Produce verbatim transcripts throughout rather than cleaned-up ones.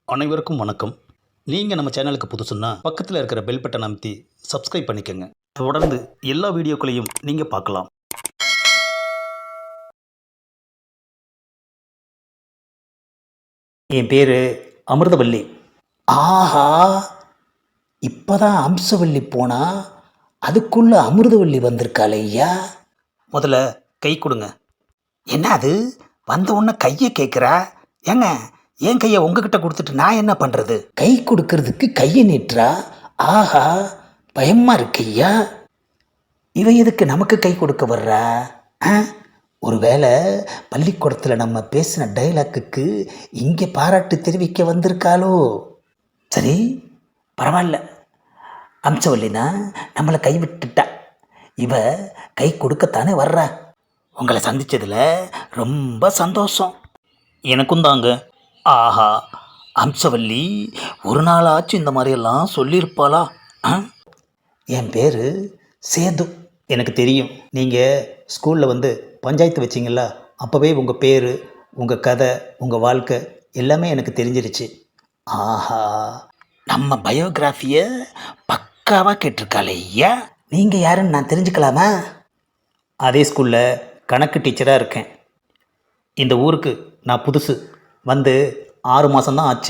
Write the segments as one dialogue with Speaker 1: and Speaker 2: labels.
Speaker 1: அனைவருக்கும் வணக்கம். நீங்கள் நம்ம சேனலுக்கு புதுசுன்னா பக்கத்தில் இருக்கிற பெல் பட்டன் அமைத்தி சப்ஸ்கிரைப் பண்ணிக்கோங்க. தொடர்ந்து எல்லா வீடியோக்களையும் நீங்கள் பார்க்கலாம்.
Speaker 2: என் பேர் அமிர்தவல்லி. ஆஹா, இப்போதான் அம்சவல்லி போனா அதுக்குள்ள அமிர்தவல்லி வந்திருக்காளே ஐயா.
Speaker 1: முதல்ல கை கொடுங்க.
Speaker 2: என்ன அது வந்த உடனே கையை கேட்குறா? ஏங்க, என் கையை உங்ககிட்ட கொடுத்துட்டு நான் என்ன பண்ணுறது? கை கொடுக்கறதுக்கு கையை நீட்டுறா. ஆஹா, பயமா இருக்கு ஐயா. இவ எதுக்கு நமக்கு கை கொடுக்க வர்றா? ஆ, ஒருவேளை பள்ளிக்கூடத்தில் நம்ம பேசின டைலாக்குக்கு இங்கே பாராட்டு தெரிவிக்க வந்திருக்காளோ? சரி, பரவாயில்ல. அம்சவல்லினா நம்மளை கைவிட்டுட்டா, இவ கை கொடுக்கத்தானே வர்றா. உங்களை சந்தித்ததில் ரொம்ப சந்தோஷம்.
Speaker 1: எனக்கும் தாங்க.
Speaker 2: ஆஹா, அம்சவல்லி ஒரு நாளாச்சும் இந்த மாதிரியெல்லாம் சொல்லியிருப்பாளா? ஆ, என் பேர் சேது.
Speaker 1: எனக்கு தெரியும், நீங்கள் ஸ்கூலில் வந்து பஞ்சாயத்து வச்சிங்களா, அப்போவே உங்கள் பேர், உங்கள் கதை, உங்கள் வாழ்க்கை எல்லாமே எனக்கு தெரிஞ்சிருச்சு.
Speaker 2: ஆஹா, நம்ம பயோகிராஃபியை பக்காவாக கேட்டிருக்காளே ஐயா. நீங்கள் யாருன்னு நான் தெரிஞ்சுக்கலாமா?
Speaker 1: அதே ஸ்கூலில் கணக்கு டீச்சராக இருக்கேன். இந்த ஊருக்கு நான் புதுசு, வந்து ஆறு மாதம்தான் ஆச்சு.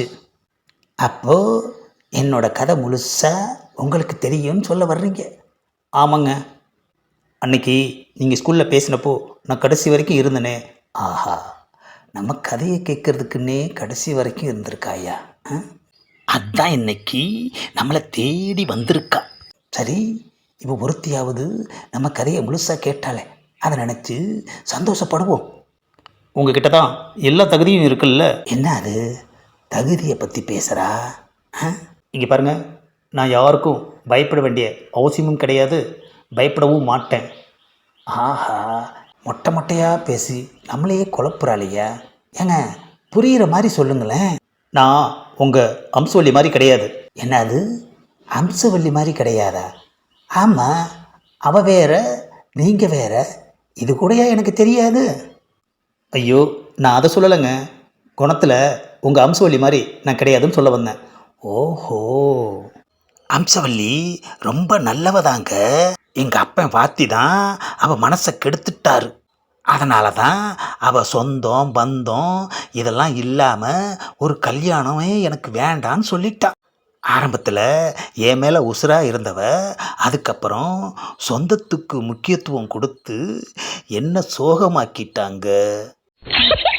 Speaker 2: அப்போது என்னோட கதை முழுசாக உங்களுக்கு தெரியும்னு சொல்ல வர்றீங்க?
Speaker 1: ஆமாங்க. அன்னைக்கு நீங்கள் ஸ்கூலில் பேசினப்போ நான் கடைசி வரைக்கும் இருந்தேனே.
Speaker 2: ஆஹா, நம்ம கதையை கேட்கறதுக்குன்னே கடைசி வரைக்கும் இருந்திருக்காயா? ஆ? அதான் இன்னைக்கு நம்மளை தேடி வந்திருக்கா. சரி, இப்போ ஒருத்தியாவது நம்ம கதையை முழுசாக கேட்டாலே அதை நினச்சி சந்தோஷப்படுவோம்.
Speaker 1: உங்ககிட்ட தான் எல்லா தகுதியும் இருக்குல்ல.
Speaker 2: என்ன அது தகுதியை பற்றி பேசுகிறா?
Speaker 1: இங்கே பாருங்கள், நான் யாருக்கும் பயப்பட வேண்டிய அவசியமும் கிடையாது, பயப்படவும் மாட்டேன்.
Speaker 2: ஆஹா, மொட்டை மொட்டையாக பேசி நம்மளையே குழப்புறாளையா. ஏங்க, புரிகிற மாதிரி சொல்லுங்களேன்.
Speaker 1: நான் உங்கள் அம்சவல்லி மாதிரி கிடையாது.
Speaker 2: என்னது அம்சவல்லி மாதிரி கிடையாதா? ஆமாம், அவ வேற நீங்கள் வேற, இது கூடயா எனக்கு தெரியாது?
Speaker 1: ஐயோ, நான் அதை சொல்லலைங்க. குணத்தில் உங்கள் அம்சவல்லி மாதிரி நான் கிடையாதுன்னு சொல்ல வந்தேன்.
Speaker 2: ஓஹோ, அம்சவல்லி ரொம்ப நல்லவதாங்க. எங்கள் அப்பன் வாத்தி தான் அவள் மனசை கெடுத்துட்டாரு. அதனால தான் அவள் சொந்தம் பந்தம் இதெல்லாம் இல்லாமல் ஒரு கல்யாணமே எனக்கு வேண்டான்னு சொல்லிட்டா. ஆரம்பத்தில் என் மேலே உசுராக இருந்தவ அதுக்கப்புறம் சொந்தத்துக்கு முக்கியத்துவம் கொடுத்து என்ன சோகமாக்கிட்டாங்க.